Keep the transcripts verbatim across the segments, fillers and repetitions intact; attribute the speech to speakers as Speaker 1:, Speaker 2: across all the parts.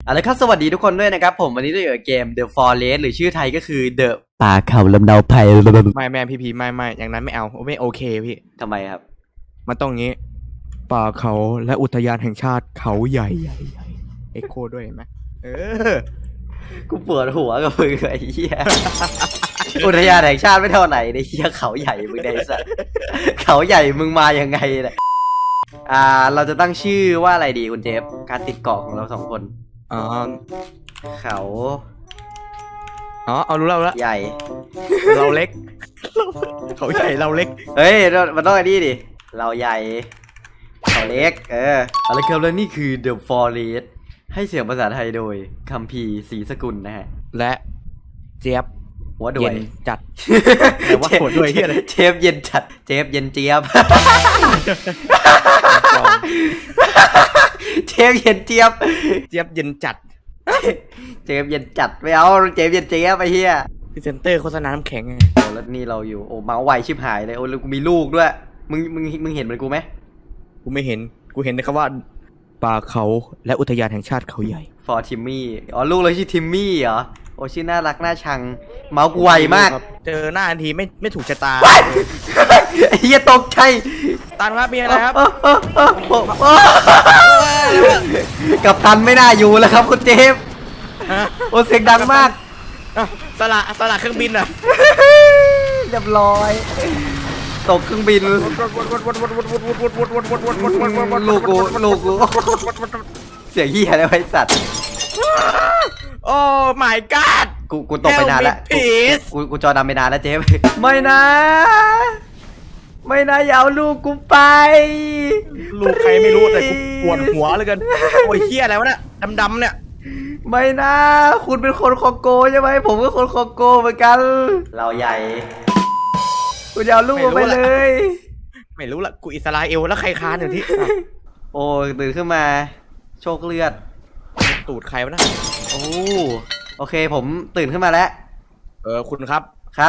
Speaker 1: เอาละครับสวัสดีทุกคนด้วยนะครับผมวันนี้เราอยู่กับเกม The Forest หรือชื่อไทยก็คือ The ป่าเขาลำเนาไพร
Speaker 2: ไม่แม่พี่พีไม่ไม่อย่างนั้นไม่เอาไม่โอเคพี่
Speaker 1: ทำไมครับ
Speaker 2: มันต้องงี้ป่าเขาและอุทยานแห่งชาติเขาใหญ่ใหญ่ใหญ่เอ็กโคด้วยเห็นไหมเออ
Speaker 1: กูปวดหัวกับมึงไอ้เหี้ย อุทยานแห่งชาติไม่เท่าไหร่ในเหี้ยเขาใหญ่มึงไอ้สัสเขาใหญ่มึงมายังไงเนี่ยอ่าเราจะตั้งชื่อว่าอะไรดีคุณเจฟการติดเกาะของเราสองคน
Speaker 2: อ๋อ
Speaker 1: เขา
Speaker 2: อ๋อเอารู้แล้วละ
Speaker 1: ใหญ่
Speaker 2: เราเล็กเขาใหญ่เราเล็ก
Speaker 1: เฮ้ยมันต้องไอ้นี่ดิเราใหญ่เขาเล็กเออเอาละครับแล้วนี่คือ The Forest ให้เสียงภาษาไทยโดยคัมภีร์ศรีสกุลนะฮะ
Speaker 2: และเจี๊ยบ
Speaker 1: หัวด้วย
Speaker 2: จัดแต่ว่าหัวด้วยที่อะไร
Speaker 1: เชฟเย็นจัดเชฟเย็นเจี๊ยบเชฟเย็นเจี๊ยบ
Speaker 2: เจี๊ยบเย็นจัด
Speaker 1: เชฟเย็นจัดไม่เอาเชฟเย็นเจี๊ยบไปเฮีย
Speaker 2: พรีเซนเตอร์โฆษณาน้ำแข็งไง
Speaker 1: โอ้แล้วนี่เราอยู่โอ้เมาส์ไวชิบหายเลยโอ้แล้วกูมีลูกด้วยมึงมึงมึงเห็นเหมือนกูไหม
Speaker 2: กูไม่เห็นกูเห็นนะครับว่าป่าเขาและอุทยานแห่งชาติเขาใหญ่
Speaker 1: ฟอร์ทิมมี่อ๋อลูกเราชื่อทิมมี่เหรอโอ้ชื่อน่ารักน่าชังเมาส์กูไวมาก
Speaker 2: เจอหน้าทันทีไม่ไม่ถูกชะตา
Speaker 1: ไอ้เหี้ยตกใจ
Speaker 2: ตันครับมีอะไรครับ
Speaker 1: กับตันไม่น่าอยู่แล้วครับคุณเจฟโอ้เสียงดังมาก
Speaker 2: สละสละเครื่องบินอ่ะ
Speaker 1: เรียบร้อยตกเครื่องบินลูกกูลูกกูเสียงเหี้ยอะไรไว้สัตว์
Speaker 2: โอ้ my god
Speaker 1: กูกูตกไปนานแล้วกูกูจอดำไปนานแล้วเจฟไม่นะไม่นะอย่าเอาลูกกูไป
Speaker 2: ลูกใครไม่รู้แต่กูปวดหัวเลยกันโอ้ยเหี้ยอะไรวะเนี่ยดำๆเนี่ย
Speaker 1: ไม่นะคุณเป็นคนคองโกใช่ไหมผมก็คนคองโกเหมือนกันเราใหญ่กูจะเอาลูกไปเลย
Speaker 2: ไม่รู้ละกูอิสราเอลแล้วใครค้านอยู่ที่
Speaker 1: โอ้ตื่นขึ้นมาโชคเลือด
Speaker 2: ตูดใครวะนะ
Speaker 1: โอ้โอเคผมตื่นขึ้นมาแล้ว
Speaker 2: เออคุณครับ
Speaker 1: ครับ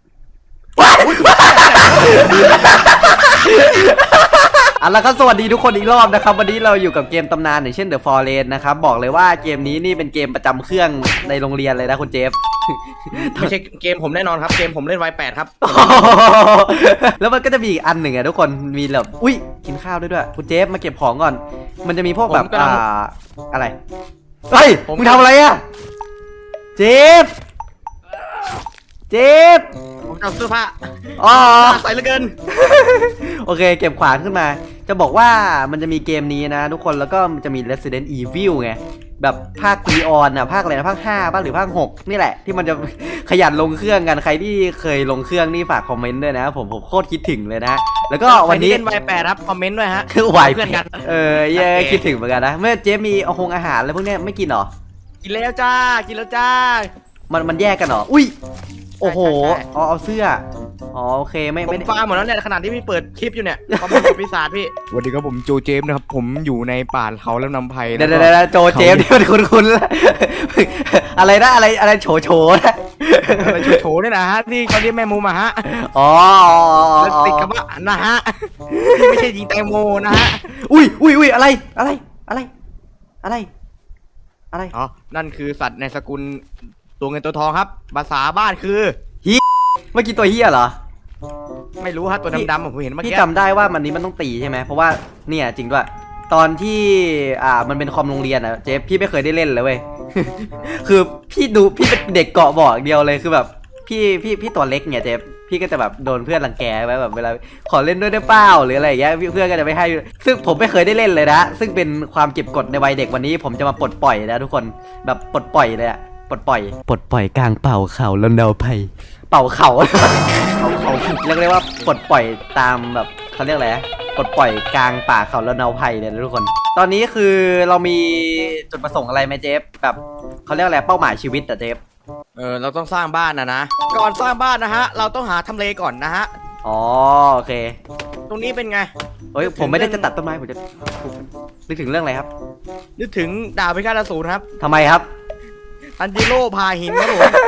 Speaker 1: เอาละครับสวัสดีทุกคนอีกรอบนะครับวันนี้เราอยู่กับเกมตำนานอย่างเช่น The Forest นะครับบอกเลยว่าเกมนี้นี่เป็นเกมประจำเครื่องในโรงเรียนเลยนะคุณเจฟ
Speaker 2: ไม่ใช่เกมผมแน่นอนครับเกมผมเล่นไวแปดครับ
Speaker 1: แล้วมันก็จะมีอีกอันหนึ่งอะทุกคนมีแบบอุ้ยกินข้าวด้วยด้วยคุณเจฟมาเก็บของก่อนมันจะมีพวกแบบอ่าอะไรเฮ้ยมึงทำอะไรอะเจฟเจฟ
Speaker 2: ผมจะเอาเสื้อผ้า
Speaker 1: อ๋อ
Speaker 2: ใส่เหลือเกิน
Speaker 1: โอเคเก็บขวานขึ้นมาจะบอกว่ามันจะมีเกมนี้นะทุกคนแล้วก็มันจะมี Resident Evil ไงแบบภาค Leon อ่ะภาคอะไรนะภาคห้าบ้างหรือภาคหกนี่แหละที่มันจะขยันลงเครื่องกันใครที่เคยลงเครื่องนี่ฝากคอมเมนต์ด้วยนะผมผมโคตรคิดถึงเลยนะแล้วก็วันนี้
Speaker 2: เล่นไวแปดครับคอมเมนต์ด้วยฮะ
Speaker 1: คือไวเพื่อนกันเออเย่คิดถึงเหมือนกันนะเมื่อเจมีเอาคงอาหารอะไรพวกนี้ไม่กินหรอ
Speaker 2: กินแล้วจ้ากินแล้วจ้า
Speaker 1: มันมันแยกกันหรออุ้ยโอ้โหเอาเอาเสื้ออ๋อโอเคไม่ไม่
Speaker 2: ผมฟาร์มหมดแล้วเนี่ยขนาดที่พี่เปิดคลิปอยู่เนี่ยคอมเมนต์ปีศาจพี่สวัสดีครับผมโจเจมส์นะครับผมอยู่ในป่าเขาแล้วนำไผ่
Speaker 1: เดี๋ยวเดี๋ยวโจเจมส์ที่มันคุ้นๆอะไรนะอะไรอะไรโฉโฉนะ
Speaker 2: อะไรโฉโฉเนี่ยนะฮะที่เขาเรียกแม่มูมาฮะ
Speaker 1: อ๋อ
Speaker 2: ติดกับว่านะฮะที่ไม่ใช่ยิงแตงโมนะฮะ
Speaker 1: อุ้ยอุ้ยอุ้ยอะไรอะไรอะไรอะไรอะไร
Speaker 2: อ๋อนั่นคือสัตว์ในสกุลตัวเงินตัวทองครับภาษาบ้านคือ
Speaker 1: ฮีเมื่อกี้ตัวเฮียเหรอ
Speaker 2: ไม่รู้ฮะตัวดำๆผมเห็นเมื่อกี้
Speaker 1: พี่จำได้ว่ามันนี้มันต้องตีใช่ไหมเพราะว่าเนี่ยจริงด้วยตอนที่อ่ามันเป็นคอมโรงเรียนอะเจ๊พี่ไม่เคยได้เล่นเลยเว้ยคือพี่ดูพี่เป็นเด็กเกาะบอกเดียวเลยคือแบบพี่พี่พี่ตัวเล็กเนี่ยเจ๊พี่ก็จะแบบโดนเพื่อนรังแกไว้แบบเวลาขอเล่นด้วยได้เปล่าหรืออะไรอย่างเงี้ยเพื่อนก็จะไม่ให้ซึ่งผมไม่เคยได้เล่นเลยนะซึ่งเป็นความเก็บกดในวัยเด็กวันนี้ผมจะมาปลดปล่อยนะทุกคนแบบปลดปล่อยเลยอะปลดปล่อยปลดปล่อยกลางเป่าเขาแล้วเดาไพ่เป่าเขาเขาเขาเรียกเรียกว่าปลดปล่อยตามแบบเขาเรียกอะไรปลดปล่อยกลางป่าเขาแล้วเดาไพ่เนี่ยทุกคนตอนนี้คือเรามีจุดประสงค์อะไรไหมเจฟแบบเขาเรียกอะไรเป้าหมายชีวิตอะเจฟ
Speaker 2: เออเราต้องสร้างบ้านนะนะก่อนสร้างบ้านนะฮะเราต้องหาทำเลก่อนนะฮะ
Speaker 1: อ๋อโอเค
Speaker 2: ตรงนี้เป็นไง
Speaker 1: เฮ้ยผมไม่ได้จะตัดต้นไม้ผมจะนึกถึงเรื่องอะไรครับ
Speaker 2: นึกถึงดาบพิฆาตอสูรครับ
Speaker 1: ทำไมครับ
Speaker 2: ทันจิโร่พาหินครับผม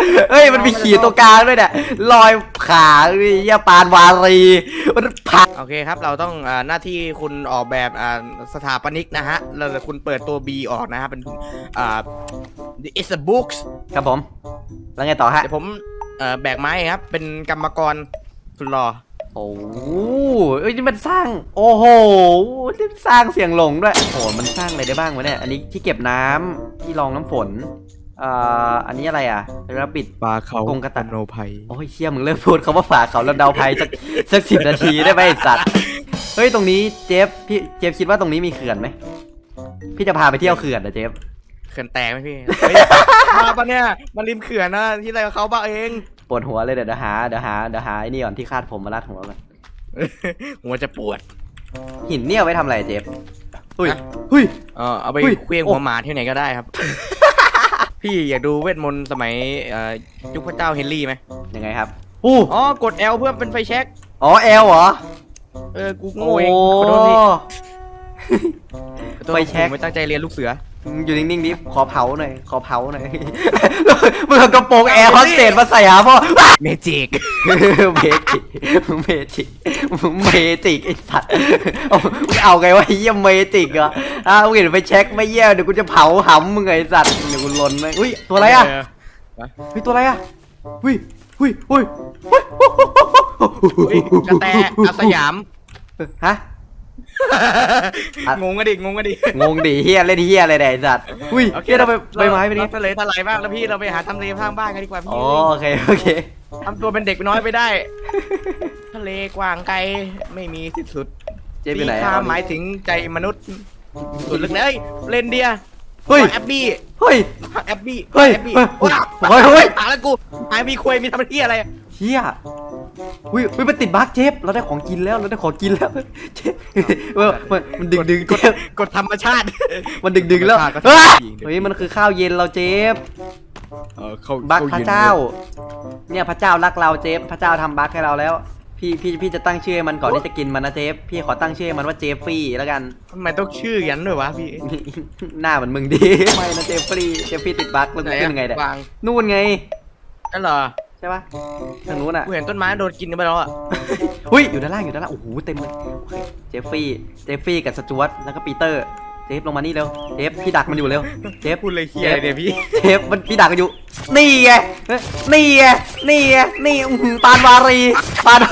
Speaker 1: เฮ้ยมันมีขีดตัวกลางด้วยเนี่ยลอยขาเหี้ยปานวารีมันผ่า
Speaker 2: โอเคครับเราต้องอ่าหน้าที่คุณออกแบบอ่าสถาปนิกนะฮะแล้วคุณเปิดตัว B ออกนะฮะเป็นอ่า it's a books
Speaker 1: ครับผมแล้วไงต่อฮะ
Speaker 2: เดี๋ยวผมเอ่อแบกไม้ครับเป็นกรรมกรสุดหล่อ
Speaker 1: โอ้โหเอ้ยนี่มันสร้างโอ้โหนี่สร้างเสียงหลงด้วยโอ้โหมันสร้างอะไรได้บ้างวะเนี่ยอันนี้ที่เก็บน้ำที่รองน้ำฝนเอ่ออันนี้อะไรอ่ะระปิด
Speaker 2: ปลาเขา
Speaker 1: กรงกระต่าย
Speaker 2: โนภัย
Speaker 1: โอ้ยเชี่ยมึงเริ่มพูดคำว่าฝาเขาแล้วเดาภัยสักสักสิบนาทีได้ไหมไอ้สัตว์เฮ้ยตรงนี้เจฟพี่เจฟคิดว่าตรงนี้มีเขื่อนไหมพี่จะพาไปเที่ยวเขื่อนนะเจฟ
Speaker 2: เขื่อนแตกไหมพี่เฮ้ยมาปะเนี่ยมันริมเขื่อนนะที่ไรกับเขาบ้าเอง
Speaker 1: ปวดหัวเลยเดี๋ยวเดี๋ยวหาเดี๋ยวหาเดี๋ยวหาไอ้นี่ก่อนที่คาดผมมาลาดหัวกัน
Speaker 2: หัวจะปวด
Speaker 1: หินเนี่ยเอาไว้ทำอะไรเจฟเฮ้ย
Speaker 2: ฮะ
Speaker 1: เฮ้ย
Speaker 2: เออเอาไป
Speaker 1: เฮ้ย
Speaker 2: เคลี้ยง
Speaker 1: โอ้
Speaker 2: หัวหมาที่ไหนก็ได้ครับ พี่อยากดูเวทมนต์สมัยเอ่อยุคพระเจ้าเฮนรี่ไหม
Speaker 1: ยังไงครับอู้
Speaker 2: อ๋อกด L เพื่อเป็นไฟแช็ก
Speaker 1: อ๋อแอลเหรอ
Speaker 2: เออกูโง่เองขอโทษพี่ขอโทษ
Speaker 1: ไฟแช็ก
Speaker 2: ผมไม่ตั้งใจเรียนลูกเสือ
Speaker 1: อยู่นิ่งๆดิขอเผาหน่อยขอเผาหน่อย มึงเอากระโปรงแอร์โฮสเตสมาใส่หาพ่อ
Speaker 2: เมจิก
Speaker 1: เมจิกมึงเมจิกมึงเมจิกไอ้สัตว์เอามึงเอาไงวะเยี่ยมเมจิกเหรออ้าวมึงเห็นไปเช็คไม่เยี่ยมเดี๋ยวกูจะเผาหำมึงไงไอ้สัตว์เดี๋ยวกูลนไหมอุ้ยตัวอะไรอ่ะเฮ้ยตัวอะไรอ่ะอุ้ยอุ้ยอุ้ยอุ้ย
Speaker 2: เฮ้ยกระแตอาสยาม
Speaker 1: ฮะ
Speaker 2: งงกันดิงงกันดิ
Speaker 1: งงดิเฮียเล่นเฮียอะไรเนี่ยไอ้สัตว์อุ้ยเฮียเราไปใบไม้ไปนี่
Speaker 2: เราทะเลทลายบ้างแล้วพี่เราไปหาทำเลข้างบ้านกันดีกว่าพี่
Speaker 1: อ๋อโอเคโอเค
Speaker 2: ทำตัวเป็นเด็กน้อยไปได้ ทะเลกว้างไกลไม่มีสิ้นสุด
Speaker 1: เจ๊ไปไหน
Speaker 2: มี
Speaker 1: อะ
Speaker 2: ค่าหมายถึงใจมนุษย์สุดลึกเลยเรนเดียร์
Speaker 1: เฮ้ย
Speaker 2: แอบบี้
Speaker 1: เฮ้ย
Speaker 2: แอบบี้
Speaker 1: เฮ้ย
Speaker 2: แอบบี้
Speaker 1: เฮ้ย
Speaker 2: โอ้ย
Speaker 1: เฮ้ยเฮ้ย
Speaker 2: หาแล้วกูหายมีคุยมีทำที่อะไร
Speaker 1: เฮียอุ้ยอุ้ยมันติดบั๊กเจฟเราได้ของกินแล้วเราได้ของกินแล้วเจฟเออมันมันดึงดึง
Speaker 2: กด
Speaker 1: เจฟ
Speaker 2: กดธรรมชาติ
Speaker 1: มันดึงดึงแล้ว
Speaker 2: ธรรมชาติก็
Speaker 1: เฮ้ย
Speaker 2: ยิงดิ
Speaker 1: เฮ้ยมันคือข้าวเย็นเราเจฟ
Speaker 2: เออเข้า
Speaker 1: บั๊กพ
Speaker 2: ข้
Speaker 1: ระ
Speaker 2: ย็น
Speaker 1: เจ้า เนี่ยพระเจ้ารักเราเจฟพระเจ้าทำบั๊กให้เราแล้ว พี่พี่พี่จะตั้งชื่อให้มันก่อนที่จะกินมันนะเจฟพี่ขอตั้งชื่อให้มันว่าเจฟฟรี่แล้วกัน
Speaker 2: ทำไมต้องชื่อยันด้วยวะพี่
Speaker 1: หน้าเหมือนมึงดีไม่นะเจฟฟรี่เจฟฟรี่ติดบั๊กแล้วกูขึ้นยังไงเนี่ย
Speaker 2: วาง
Speaker 1: นู่นไง
Speaker 2: นั่นเหรอ
Speaker 1: ใช่ปะทางนู้นอ่ะ
Speaker 2: กูเห็นต้นไม้โดนกินไปแล้วอ่ะ
Speaker 1: หุ้ยอยู่ด้านล่างอยู่ด้านล่างโอ้โหเต็มเลยโอเคเจฟฟี่เจฟฟี่กับสจวตแล้วก็ปีเตอร์เจฟลงมานี่เร็วเจฟพี่ดักมันอยู่เร็วเจฟ
Speaker 2: พูดเลยเฮียเดี๋ยวพี่
Speaker 1: เจฟมันพี่ดักกันอยู่นี่ไงนี่ไงนี่ไงนี่อื้อหือปานวารีปาน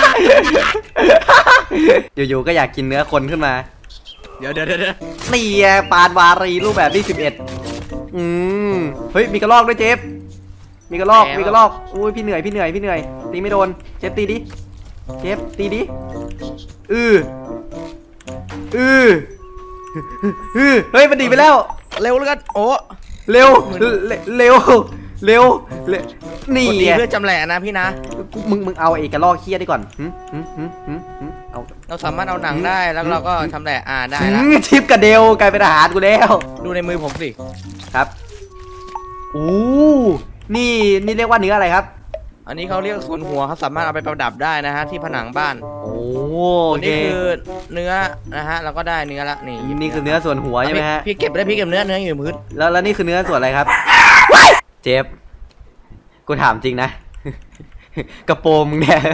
Speaker 1: อยู่ๆก็อยากกินเนื้อคนขึ้นมา
Speaker 2: เดี๋ยวเดี๋ยวเดี๋ยว
Speaker 1: นี่ไงปานวารีรูปแบบที่สิบเอ็ดอืมเฮ้ยมีกระรอกด้วยเจฟมีกระรอกมีกระรอกอุ้ยพี่เหนื่อยพี่เหนื่อยพี่เหนื่อยตีไม่โดนเจฟตีดิเจฟตีดิอืออืออือเฮ้ยมันดีไปแล้ว
Speaker 2: เร็วแล้วกันโอ้
Speaker 1: เร็วเร็วเร็วเร็วนี่
Speaker 2: กดดี
Speaker 1: ไง
Speaker 2: เพื่อจำแหละนะพี่นะ
Speaker 1: มึงมึงเอาไอ้กระรอกเคี้ยได้ก่อนหึหึหึหึหึเอา
Speaker 2: เราสามารถเอาหนังได้แล้วเราก็ทำแหละอ่าได้
Speaker 1: หึ
Speaker 2: ละ
Speaker 1: ทิปกับเดลกลายเป็นอาหารกูแล้ว
Speaker 2: ดูในมือผมสิ
Speaker 1: ครับอู้นี่นี่เรียกว่าเนื้ออะไรครับ
Speaker 2: อันนี้เขาเรียกส่วนหัวเขาสามารถเอาไปประดับได้นะฮะที่ผนังบ้าน
Speaker 1: โอ้
Speaker 2: ตัว
Speaker 1: เค
Speaker 2: นี้คือเนื้อนะฮะเราก็ได้เนื้อละนี่
Speaker 1: นี่คือเนื้อส่วนหัวใช่ไหมฮะ
Speaker 2: พี่เก็บได้พี่เก็บเนื้อเนื้ออยู่พื้น
Speaker 1: แล้วแล้วนี่คือเนื้อส่วนอะไรครับ เจฟกูถามจริงนะ กระโปรงมึงเนี่ย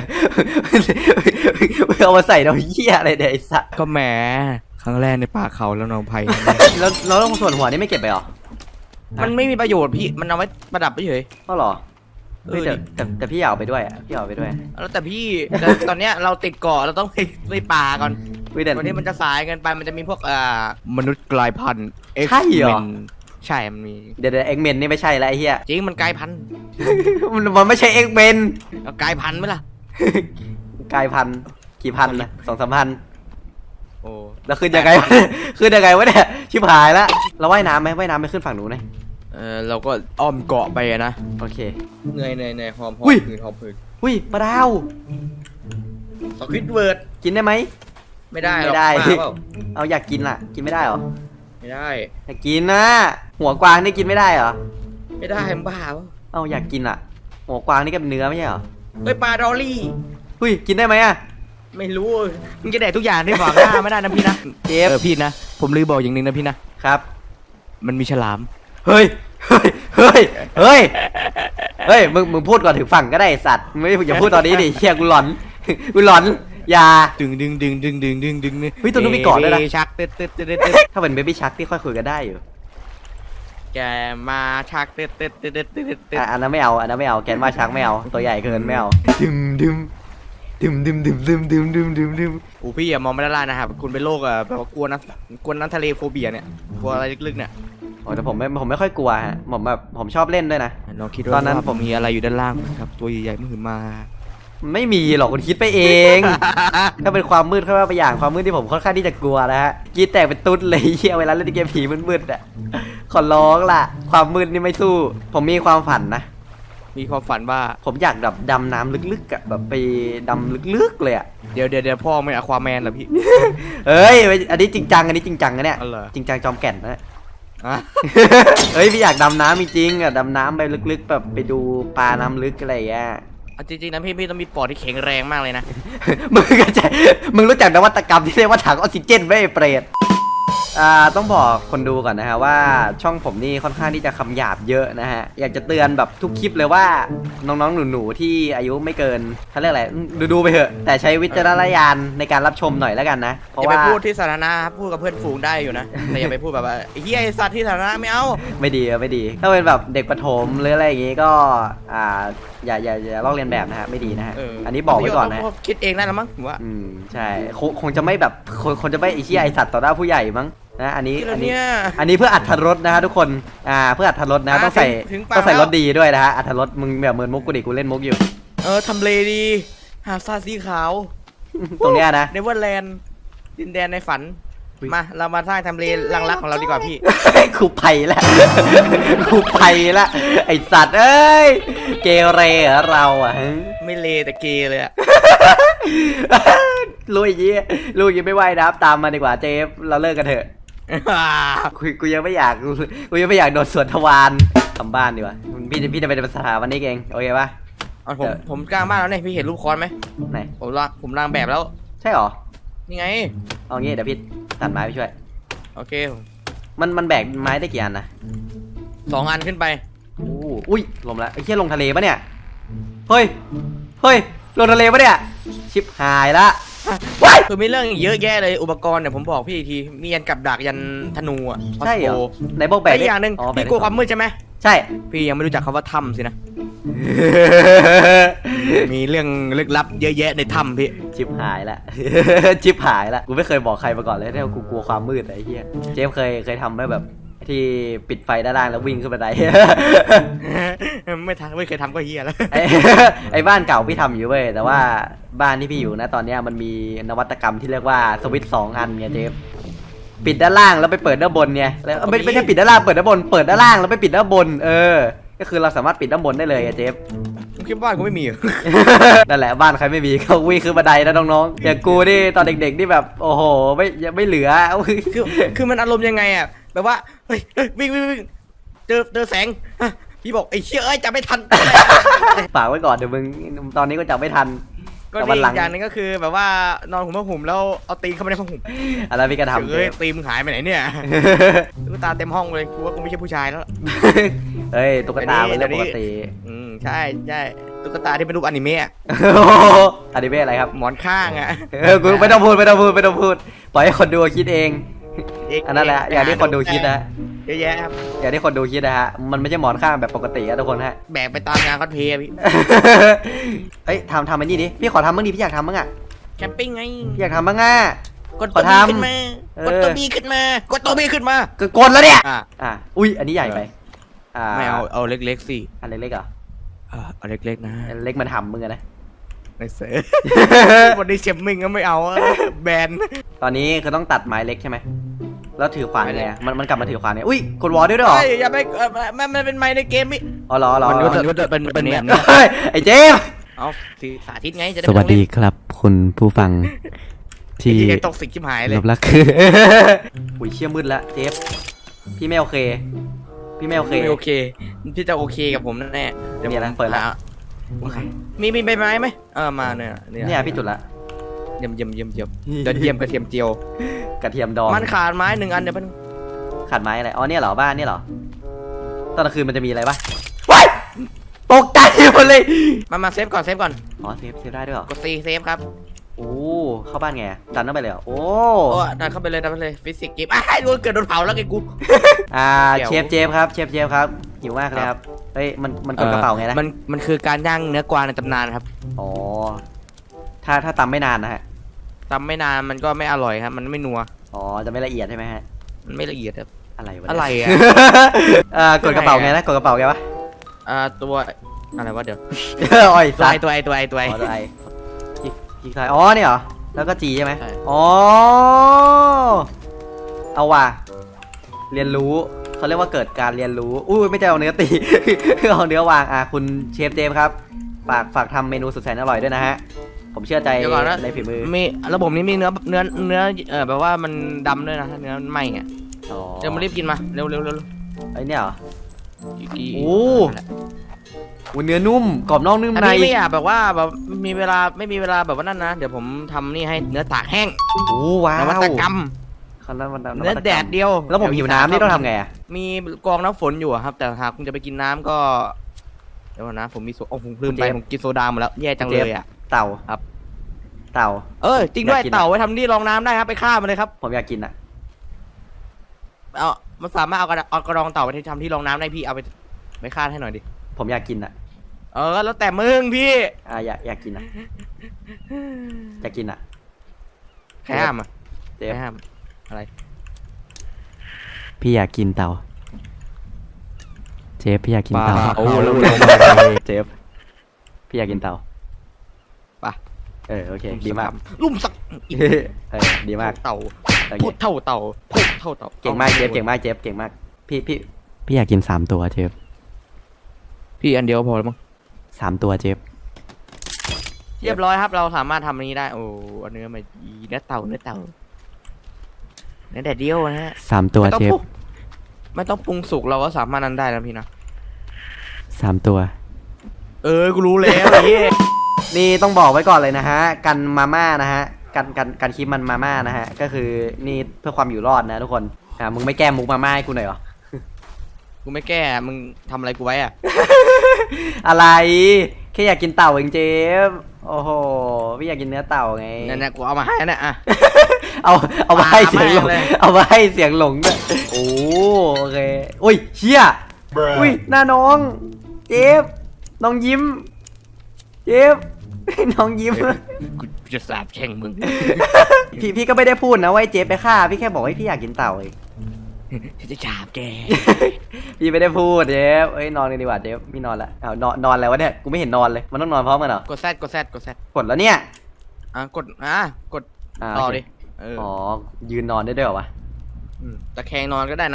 Speaker 1: เอามาใส่เราเหี้ยอะไรเนี่ยไอ้สัส
Speaker 2: ก็แหมครั้งแรกในป่าเขาแล้วน้องไผ่
Speaker 1: แล้วแล้วส่วนหัวนี่ไม่เก็บไปหรอ
Speaker 2: มันไม่มีประโยชน์พี่มันเอาไว้ประดับเฉย
Speaker 1: ก็หรอเฮ้ย
Speaker 2: เออ
Speaker 1: แต่
Speaker 2: ดิ
Speaker 1: แต่แต่พี่อยากเอาไปด้วยอ่ะพี่อยากเอาไปด้วย
Speaker 2: แล้วแต่พี่แต่ตอนเนี้ยเราติดเกาะเราต้องไปไปป่าก่อน
Speaker 1: เฮ้ยแต่
Speaker 2: วันนี้มันจะสายเกินไปมันจะมีพวกอ่ามนุษย์กลายพันธุ์
Speaker 1: ใช่เหรอ
Speaker 2: X-Men ใช่มันมี
Speaker 1: เดี๋ยวเดี๋ยวเอ็กเมนนี่ไม่ใช่แล้วไอ้เหี้ย
Speaker 2: จริงมันกลายพันธุ์
Speaker 1: มันมันไม่ใช่เอ็กเมน
Speaker 2: เอากลายพันธุ์ไหมล่ะ
Speaker 1: กลายพันธุ์กี่พันนะสองสามพัน
Speaker 2: โอ้
Speaker 1: แล้วขึ้นยังไงวะ ขึ้นยังไงวะเนี่ยชิบหายละเราว่ายน้ำไหมว่ายน้ำไปขึ้นฝั่งหนูนไหม
Speaker 2: เออเราก็อ้อมเกาะไปอะนะ
Speaker 1: โอเค
Speaker 2: เหนื่อยเหนื่อยเหนื่อยหอมหอ
Speaker 1: อุ้
Speaker 2: ม
Speaker 1: ย
Speaker 2: ผืนหอมผืน
Speaker 1: อุ้ยปลาดาว
Speaker 2: สควิดเวิร์ด
Speaker 1: กินได้ไหม
Speaker 2: ไม่ได้หร
Speaker 1: ไม่
Speaker 2: อก
Speaker 1: ได้
Speaker 2: บ้าเปล่า
Speaker 1: เอาอยากกินล่ะ กินไม่ได้เหรอ
Speaker 2: ไม่ได้
Speaker 1: อยากกินนะหัวกวางนี่กินไม่ได้เหรอ
Speaker 2: ไม่ได้มึงบ้าเปล่า
Speaker 1: เอาอยากกินอ่ะ หัวกวางนี่ก็เป็นเนื้อไม่ใช่เหรอ
Speaker 2: เฮ้ยปลาดอลลี่
Speaker 1: อุ้ยกินได้ไหมอ่ะ
Speaker 2: ไม่รู้มึงจะแดกทุกอย่างที่ขวางหน้าไม่ได้นะพี่นะ
Speaker 1: เจฟ
Speaker 2: เออพี่นะผมลืมบอกอย่างหนึงนะพี่นะครับ มันมีฉลาม
Speaker 1: ฮเฮ้ยเฮ้ยเฮ้ยเฮ้ยเฮ้ยมึงมึงพูดก่อนถึงฝั่งก็ได้ไอ้สัตว์มึงไม่อย่าพูดตอนนี้ดิเฮียกูหลอนกูหลอนอย่า
Speaker 2: ดึงดึงดึงดึงดึงดึงดึง
Speaker 1: เฮ้ยตัวนู้นมีเกาะด้วยนะ
Speaker 2: ชักตึ๊ดตึ๊ดตึ๊ดตึ๊ด
Speaker 1: ถ้าเป็นเบบี้ชักที่ค่อยคุยกันได้อยู่
Speaker 2: แกมาชักตึ๊ดตึ๊ดตึ๊ดตึ๊ดตึ๊ดตึ๊ด
Speaker 1: อ่ะอันนั้นไม่เอาอันนั้นไม่เอาแกนมาชักไม่เอาตัวใหญ่เกินไม่เอาดึมดึมดึมดึมดึมดึมดึมดึมดึมดึม
Speaker 2: โอ้พี่อย่ามองไม่ได้นะครับคุณเป็นโรคอะแบบว่ากลัวน้ำกลัวน้ำทะเลโฟเบียเนี่ยกลัวอะไรลึกๆเนี่ย
Speaker 1: โอ้แต่ผมไม่ผมไม่ค่อยกลัวฮะผมแบบผมชอบเล่นด้วยนะ
Speaker 2: ลองคิด
Speaker 1: ตอนนั้น
Speaker 2: ว่าผมมีอะไรอยู่ด้านล่างครับตัวใหญ่ๆมือมา
Speaker 1: ไม่มีหรอกคุณคิดไปเอง ถ้าเป็นความมืดเข้ามาไปอย่างความมืดที่ผมค่อนข้างที่จะกลัวนะฮะกรีดแตกเป็นตุ๊ดเลยเฮียเวลาเล่นเกมผีมืดๆอ่ะขอร้องล่ะความมืดนี่ไม่สู้ ผมมีความฝันนะ
Speaker 2: มีความฝันว่า
Speaker 1: ผมอยากแบบดำน้ำลึกๆอะแบบไปดำลึกๆเลยอะ
Speaker 2: เดี๋ยวเดี๋ยวเดี๋ยวพ่อไม่อะควาแมนเหรอพี่
Speaker 1: เอ้ยอันนี้จริงจังอันนี้จริงจังนะเนี่ย
Speaker 2: อ๋อเหรอ
Speaker 1: จริงจังจอมแก่นนะ
Speaker 2: อ่ะ
Speaker 1: เฮ้ยพี่อยากดำน้ำจริงๆอะดำน้ำไปลึกๆแบบไปดูปลาน้ำลึกอะไรอย่างเงี้ย
Speaker 2: เอาจริงๆนะพี่พี่ต้องมีปอดที่แข็งแรงมากเลยนะ
Speaker 1: มึงก็จะมึงรู้จักนวัตกรรมที่เรียกว่าถังออกซิเจนไหมไอ้เปรตอ่าต้องบอกคนดูก่อนนะฮะว่าช่องผมนี่ค่อนข้างที่จะคำหยาบเยอะนะฮะอยากจะเตือนแบบทุกคลิปเลยว่าน้องๆหนูๆที่อายุไม่เกินเขาเรียกอะไรดูดูๆไปเถอะแต่ใช้วิจารณญาณในการรับชมหน่อยแล้วกันนะเพ
Speaker 2: อ
Speaker 1: ราะ
Speaker 2: ย่าไป
Speaker 1: ว่า
Speaker 2: พูดที่สาธารณะครับพูดกับเพื่อนฝูงได้อยู่นะ แต่อย่าไปพูดแบบว่าไอ้เฮียไอ้สัตว์ที่สาธารณะไม่เอา
Speaker 1: ไม่ดีอะไม่ดี ถ้าเป็นแบบเด็กประถมหรืออะไรอย่างงี้ก็อ่าอย่าอย่าอย่าลอกเลียนแบบนะฮะไม่ดีนะฮะ
Speaker 2: เออ
Speaker 1: อันนี้บอกไว้ก่อนนะ
Speaker 2: คิดเองได้แล้วมั้งผมว่า
Speaker 1: อืมใช่คงคงจะไม่แบบคงคงจะไม่ไอ้เหี้ยไอสัตว์ต่อหน้าผู้ใหญ่มั้งนะอันนี้
Speaker 2: ที่
Speaker 1: อั
Speaker 2: เรา
Speaker 1: นนี้
Speaker 2: เนี่ย
Speaker 1: อันนี้เพื่ออัธรสนะฮะทุกคนอ่าเพื่ออัธรสนะ
Speaker 2: อ่า
Speaker 1: ต้องใส่
Speaker 2: ถึงถึงปาก
Speaker 1: ต้องใส่
Speaker 2: แล้ว
Speaker 1: รสดีด้วยนะฮะอัธรสมึงแบบเหมือนมุกกูดิกูเล่นมุกอยู่
Speaker 2: เออทำเลดีหาดทรายสีขาว
Speaker 1: ตรงเนี้ยนะ
Speaker 2: เนเวอร์แลนด์ดินแดนในฝัน
Speaker 1: อุ๊ย
Speaker 2: มาเรามาสร้างทำเลลังรักของเราดีกว่าพี่
Speaker 1: ครูไผ่ละ ครูไผ่ละไอสัตว์เอ้ยเกเรเหรอเราอ่ะฮะ
Speaker 2: ไม่เลแต่เกเลยอะ
Speaker 1: รู้อย่างงี้รู้อย่างงี้ไม่ไหวนะครับตามมาดีกว่าเจฟเราเลิกกันเถอะกูกูยังไม่อยากกูกูยังไม่อยากโดนสวนทวารทำบ้านดีกว่าพี่จะพี่จะไปเป็นสถาปนิกเองโอเคปะ
Speaker 2: เอาผมผมกล้ามากแล้วเนี่ยพี่เห็นรูปคอนไหม
Speaker 1: ไหน
Speaker 2: ผมรางผมรางแบบแล้ว
Speaker 1: ใช่หรอ
Speaker 2: นี่ไง
Speaker 1: เอางี้เดี๋ยวพี่ตัดไม้ไปช่วย
Speaker 2: โอเค
Speaker 1: มันมันแบกไม้ได้กี่อันนะ
Speaker 2: สองอันขึ้นไป
Speaker 1: อู้อุ้ยลมละไอ้เหี้ยลงทะเลปะเนี่ยเฮ้ยเฮ้ยลงทะเลปะเนี่ยชิบหายละว้าย
Speaker 2: คือมีเรื่องเยอะแยะเลยอุปกรณ์เนี่ยผมบอกพี่อีกทีมียันกับดักยันธนูอ่ะ
Speaker 1: ใช่เหรอ
Speaker 2: โ
Speaker 1: ไหนบอกแบก
Speaker 2: แต่
Speaker 1: ได้
Speaker 2: อย่างหนึ่ง
Speaker 1: อ๋อแบ
Speaker 2: พี่
Speaker 1: ได้
Speaker 2: กลัวความมืดใช่ไหม
Speaker 1: ใช่
Speaker 2: พี่ยังไม่รู้จักคำว่าถ้ำสินะ มีเรื่องลึกลับเยอะแยะในถ้ำพี่
Speaker 1: ชิบหายละ ชิบหายละกูไม่เคยบอกใครมาก่อนเลยที่ว่ากูกลัวความมืดไอ้เหี้ยเจฟเคยเคยทำไหมแบบที่ปิดไฟด้านล่างแล้ววิ่งขึ้นบันได
Speaker 2: ไม่ทันไม่เคยทำก็เฮียแล้ว
Speaker 1: ไอ้ ไอ้บ้านเก่าพี่ทำอยู่เว้ยแต่ว่าบ้านที่พี่อยู่นะตอนเนี้ยมันมีนวัตกรรมที่เรียกว่าสวิตช์สองอันไงเจฟปิดด้านล่างแล้วไปเปิดด้านบนไงแล้วไม่ไม่ใช่ปิดด้านล่างเปิดด้านบนเปิดด้านล่างแล้วไปปิดด้านบนเออก็คือเราสามารถปิดด้านบนได้เลยอะเจฟ
Speaker 2: ผมคิดว่ากูไม่มี
Speaker 1: นั่นแหละบ้านใครไม่มีก็วิ่งขึ้นบันไดนะน้องๆอย่างกูนี่ตอนเด็กๆนี่แบบโอ้โหไม่ยังไม่เหลือ
Speaker 2: คือคือมันอารมณ์ยังไงอ่ะแบบว่าเฮ้ยเฮ้ยวิ่งวิ่งวิ่งเจอเจอแสงอ่ะพี่บอกไอ้เชี่ยเอ้ยจะไม่ทัน
Speaker 1: ฝากไว้ก่อนเดี๋ยวมึงตอนนี้ก็จับไม่ทัน
Speaker 2: ก็
Speaker 1: แต่
Speaker 2: ดี
Speaker 1: วันหลั
Speaker 2: อี
Speaker 1: ง
Speaker 2: กอย่างหนึงก็คือแบบว่านอนห่มผ้าห่มแล้วเอาตีนเข้าไปในผ้าห่ม
Speaker 1: อะไรพี่กระทำ
Speaker 2: เฮ้ยตีนมึงหายไปไหนเนี่ยตุ๊กตาเต็มห้องเลยกูว่ากูไม่ใช่ผู้ชายแล้ว
Speaker 1: เฮ้ยตุ๊กตาเป็นเรื่องปกติ
Speaker 2: อืมใช่ใช่ตุ๊กตาที่เป็นรูปอนิเมะ
Speaker 1: อนิเมะอะไรครับ
Speaker 2: หมอนข้างอ่ะ
Speaker 1: เออกูไม่ต้องพูดไม่ต้องพูดไม่ต้องพูดปล่อยให้คนดูคิดเอง อันนั้นแหละอย่างที่คนดูคิดนะ
Speaker 2: เยอะแยะครับ
Speaker 1: อย่างที่คนดูคิดนะฮะมันไม่ใช่หมอนข้างแบบปกติอะทุกคนฮะ
Speaker 2: แบกไปตามงานคอสเพลย์อะพี่
Speaker 1: เอ้ยทำทำอันนี้ดิพี่ขอทำบ้างดิพี่อยากทำบ้างอะ
Speaker 2: แคมปิ้งไง
Speaker 1: พี่อยากทำบ้างอะ
Speaker 2: กดตัว
Speaker 1: ขอ
Speaker 2: บี
Speaker 1: ทำ
Speaker 2: ขึ้นมา
Speaker 1: เออ
Speaker 2: กดตัวบีขึ้นมา กดตัวบีขึ้นมา
Speaker 1: ก็กดแล้วเนี่ย
Speaker 2: อ่ะ
Speaker 1: อ่ะอุ้ยอันนี้ใหญ่ไปอ่า
Speaker 2: ไม่เอา เอาเล็กๆสิ
Speaker 1: อันเล็กๆเหรอ
Speaker 2: อ่ะเอาเล็กๆนะ
Speaker 1: อันเล็กมันทำมึงอะนะ
Speaker 2: ในเสือ วันนี้เชมมิงก็ไม่เอาอะแบน
Speaker 1: ตอนนี้คือต้องตัดไม้เล็กใช่ไหมแล้วถือขวานไงอะมันมันกลับมาถือขวานเนี่ยอุ้ยกดวอลด้วยด้วยเหรอ
Speaker 2: เฮ้ยอย่าไปเอ่อมันมันเป็นไม้ในเกมพี่
Speaker 1: อ๋อเหรอเหรอ
Speaker 2: มัน
Speaker 1: เหร
Speaker 2: ก็
Speaker 1: อ
Speaker 2: จะเป็นเป็นแบบนี้
Speaker 1: เฮ้ยไอ้เจมส์
Speaker 2: เอาสิสาธิตไงจะได้
Speaker 3: สวัสดีครับคุณผู้ฟังที่
Speaker 2: ที่ตกสิกชิบหายเลย
Speaker 3: ลบลักคือ
Speaker 1: อุ้ยเชี่ยมืดละเจฟพี่ไม่โอเค พี่ไม่โอเค
Speaker 2: ไม่โอเค พี่จะโอเคกับผมแน่เดี๋ยว
Speaker 1: เนี่ย
Speaker 2: ผม
Speaker 1: นะเปิดละ
Speaker 2: หามีมีใบไม้ไหมเออมาเนี่ย
Speaker 1: เนี่ยพี่จุดละ
Speaker 2: เยี่ยมเยี่ยมเยี่ยมเยี่ยมยอดเยี่ยมกระเทียมเจียว
Speaker 1: กระเทียมดอง
Speaker 2: มันขาดไม้หนึ่งอันเดี๋ยวมัน
Speaker 1: ขาดไม้อะไรอ๋อเนี่ยเหรอบ้านเนี่ยเหรอตอนกลางคืนมันจะมีอะไรปะว้ายตกใจหมดเลย
Speaker 2: มามาเซฟก่อนเซฟก่อน
Speaker 1: อ๋อเซฟเซฟได้ด้วยเหรอก
Speaker 2: ดซีเซฟครับ
Speaker 1: โอ้เข้าบ้านไงอะดันเข้าไปเลยเหรอโอ้
Speaker 2: โอ้ดันเข้าไปเลยดันเข้าไปเลยฟิสิกส์เกมอ้าวโดนเกิดโดนเผาแล้วไงกู
Speaker 1: อ่า
Speaker 2: เดี๋ยว
Speaker 1: เชฟเจฟครับเชฟเจฟครับหิวมากเลยครับเฮ้ยมันมันกดกระเป๋าไงนะ
Speaker 2: มันมันคือการย่างเนื้อกวางในตำนานครับ
Speaker 1: อ๋อถ้าถ้าตำไม่นานนะฮะ
Speaker 2: ทำไม่นานมันก็ไม่อร่อยครับมันไม่นัว
Speaker 1: อ๋อจะไม่ละเอียดใช่ไหมฮะ
Speaker 2: มันไม่ละเอียดครับ
Speaker 1: อะไรวะ
Speaker 2: อะไร
Speaker 1: เนี่ย
Speaker 2: อ่ะ
Speaker 1: อ่ากดกระเป๋าไงนะกดกระเป๋าไงวะ
Speaker 2: อ่าตัวอะไรวะเดี๋ยว
Speaker 1: อ้อย
Speaker 2: ตัว
Speaker 1: สั
Speaker 2: ไอ
Speaker 1: ตว์
Speaker 2: ตัวไอตัวไอตัวไอ
Speaker 1: อ๋อตัวไอคลิกคลิกซ้ายอ๋อเนี่ยเหรอแล้วก็จีใช่ไหม
Speaker 2: ใช่
Speaker 1: อ๋อเอาว่ะเรียนรู้เขาเรียกว่าเกิดการเรียนรู้อุ้ยไม่ใช่เอาเนื้อตี เอาเนื้อวางอ่ะคุณเชฟเจมส์ครับฝากฝากทำเมนูสุดแสนอร่อยด้วยนะฮะผมเชื่อใจ
Speaker 2: เดี๋ยวก่อนนะ
Speaker 1: ในฝีมือ
Speaker 2: มีระบบนี้มีเนื้อเนื้อเนื้อเออแบบว่ามันดำด้วยนะถ้าเนื้อมันไหม้อ่ะ
Speaker 1: อ๋อ
Speaker 2: เดี๋ยวมารีบกินมาเร็วเร็วเร็วเร็ว
Speaker 1: ไอเนี่ยเหรอ
Speaker 2: อีกกี่
Speaker 1: โอ้ อุ้ยเนื้อนุ่มกรอบนอกนุ่ม
Speaker 2: อัน
Speaker 1: ใน
Speaker 2: นี้ไม่อยากแบบว่าแบบมีเวลาไม่มีเวลาแบบว่านั่นนะเดี๋ยวผมทำนี่ให้เนื้อตากแห้ง
Speaker 1: โอ้ว้าวน
Speaker 2: วัตกรรม
Speaker 1: เขานวัตกรรม
Speaker 2: เนื้อแดดเดียว
Speaker 1: แล้วผมหิวน้ำนี่ต้องทำไงอ่ะ
Speaker 2: มีกองน้ำฝนอยู่อะครับ แต่หากคุณจะไปกินน้ำก็เดี๋ยวก่อนนะผมมีโซโอ้ผมลืมไปผมกินโซดาหมดแล้วแย่จังเลยอ่ะ
Speaker 1: เต่า
Speaker 2: ครับ
Speaker 1: เต่า
Speaker 2: เออจริงด้วย
Speaker 1: อยากกิน
Speaker 2: เต่าไว้ทำที่รองน้ำได้ครับไปฆ่ามันเลยครับ
Speaker 1: ผมอยากกินอ่ะ
Speaker 2: เอามันสามารถเอากระเอากระรองเต่าไปทำที่รองน้ำได้พี่เอาไปไปฆ่าให้หน่อยดิ
Speaker 1: ผมอยากกินอ่ะ
Speaker 2: เออแล้วแต่มึงพี่
Speaker 1: อ่าอยากอยากกินอ่ะอยากกินอ่ะ
Speaker 2: ใครห้ามอ่ะ
Speaker 1: เจ
Speaker 2: ใค
Speaker 1: ฟ
Speaker 2: รห้ามอะไร
Speaker 3: พี่อยากกินเต่า เจฟพี่อยากกินเต่า
Speaker 2: บ้า
Speaker 1: โอ้แล้วมึงลงมาเลยเจฟพี่อยากกินเต่า
Speaker 2: ไป
Speaker 1: เออโอเคดีมาก
Speaker 2: ลุ่มสัก
Speaker 1: เออดีมาก
Speaker 2: เต่า
Speaker 1: โอเค
Speaker 2: พูดเท่าเต่าพูดเท่าเต่า
Speaker 1: เก่งมากเจฟเก่งมากเจฟเก่งมากพี่พี่
Speaker 3: พี่อยากกินสามตัวเจฟ
Speaker 2: พี่อันเดียวพอแล้วมั้ง
Speaker 3: สามตัวเจฟ
Speaker 2: เรียบร้อยครับเราสามารถทำอันนี้ได้โอ้เอาเนื้อมาอีเนื้อเต่าเนื้อเต่าเนื้อแดดเดียวนะฮะ
Speaker 3: สามตัว
Speaker 2: ไม่ต้อง
Speaker 3: เจฟ
Speaker 2: ปรุงไม่ต้องปรุงสุกเราก็สามารถนั้นได้นะพี่นะ
Speaker 3: สามตัว
Speaker 2: เออกูรู้แล้วไอ้เหี้ย
Speaker 1: นี่ต้องบอกไว้ก่อนเลยนะฮะ กันมาม่านะฮะ กันกันกันคลิปมันมาม่านะฮะ ก็คือนี่เพื่อความอยู่รอดนะทุกคน อ่ามึงไม่แก้มุกมาม่าให้กูหน่อยเหรอ
Speaker 2: กูไม่แก้มึงทำอะไรกูไว้อะ
Speaker 1: อะไร แค่อยากกินเต่าเองเจฟโอ้โห พี่อยากกินเนื้อเต่าไง
Speaker 2: นั่นๆกูเอามาให้นะอ่ะ
Speaker 1: เอาเอามาให้เสียงหลง
Speaker 2: ปามาให้เลย
Speaker 1: เอามาให้เสียงหลงด้วยโอ้โอเคอุ้ยเชี่ยอุ้ยหน้าน้อง เจฟน้องยิ้ม เจฟ น้องยิ้ม
Speaker 2: กูจะสาบแช่งมึง
Speaker 1: พี่พี่ก็ไม่ได้พูดนะว่าไอ้เจฟไปฆ่า พี่แค่บอกให้พี่อยากกินเต่าเอง
Speaker 2: จะสาบแก
Speaker 1: พี่ไม่ได้พูดเจฟเอ้ยนอนกันดีกว่าเจฟพี่นอนละเอานอนนอนแล้ววะเนี่ยกูไม่เห็นนอนเลยมันต้องนอนพร้อมกันเหรอก
Speaker 2: ดแซดกดแซดกดแซด
Speaker 1: กดแล้วเนี่ย
Speaker 2: อ่ะกดอ่ะกด
Speaker 1: อ่า
Speaker 2: ต่อ
Speaker 1: โอเค
Speaker 2: ดิเออ
Speaker 1: อ๋อยืนนอนได้ด้วยเหรอวะ
Speaker 2: มตะแคงนอนก็ได้นะ